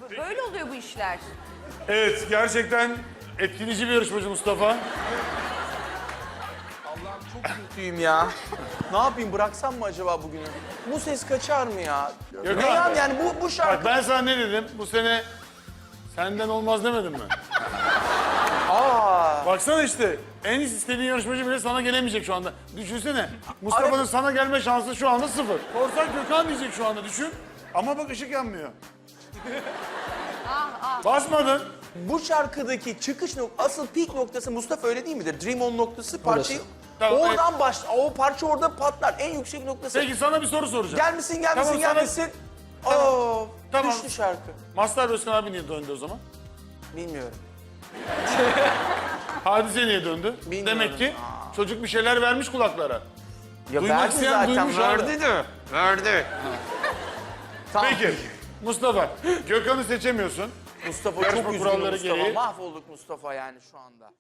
Böyle oluyor bu işler. Evet, gerçekten etkileyici bir yarışmacı Mustafa. Allah'ım çok kötüyüm ya. Ne yapayım, bıraksam mı acaba bugünü? Bu ses kaçar mı ya? Yok Ne abi. yani bu şarkı... Bak ben sana ne dedim? Bu sene senden olmaz demedim mi? Aa, Baksana işte, en istediğin yarışmacı bile sana gelemeyecek şu anda. Düşünsene, Mustafa'nın sana gelme şansı şu anda 0. Korsak Gökhan diyecek şu anda, düşün. Ama bak ışık yanmıyor. Basmadın. bu şarkıdaki çıkış asıl peak noktası Mustafa, öyle değil midir? Dream On noktası parçayı... Tamam, Oradan o parça orada patlar. En yüksek noktası. Peki sana bir soru soracağım. Gelmesin, Tamam, sana- gelmesin. Tamam. Oo, Tamam. düştü şarkı. Mazhar Özkan abi niye döndü o zaman? Bilmiyorum. Hadise niye döndü? Bilmiyorum. Demek ki çocuk bir şeyler vermiş kulaklara. Ya Duymak verdi isteyen zaten, duymuş abi. verdi de. Verdi. Tamam. Peki, Mustafa, Gökhan'ı seçemiyorsun. Mustafa Yarışma çok üzgün kuralları Mustafa. gereği. Mahvolduk Mustafa yani şu anda.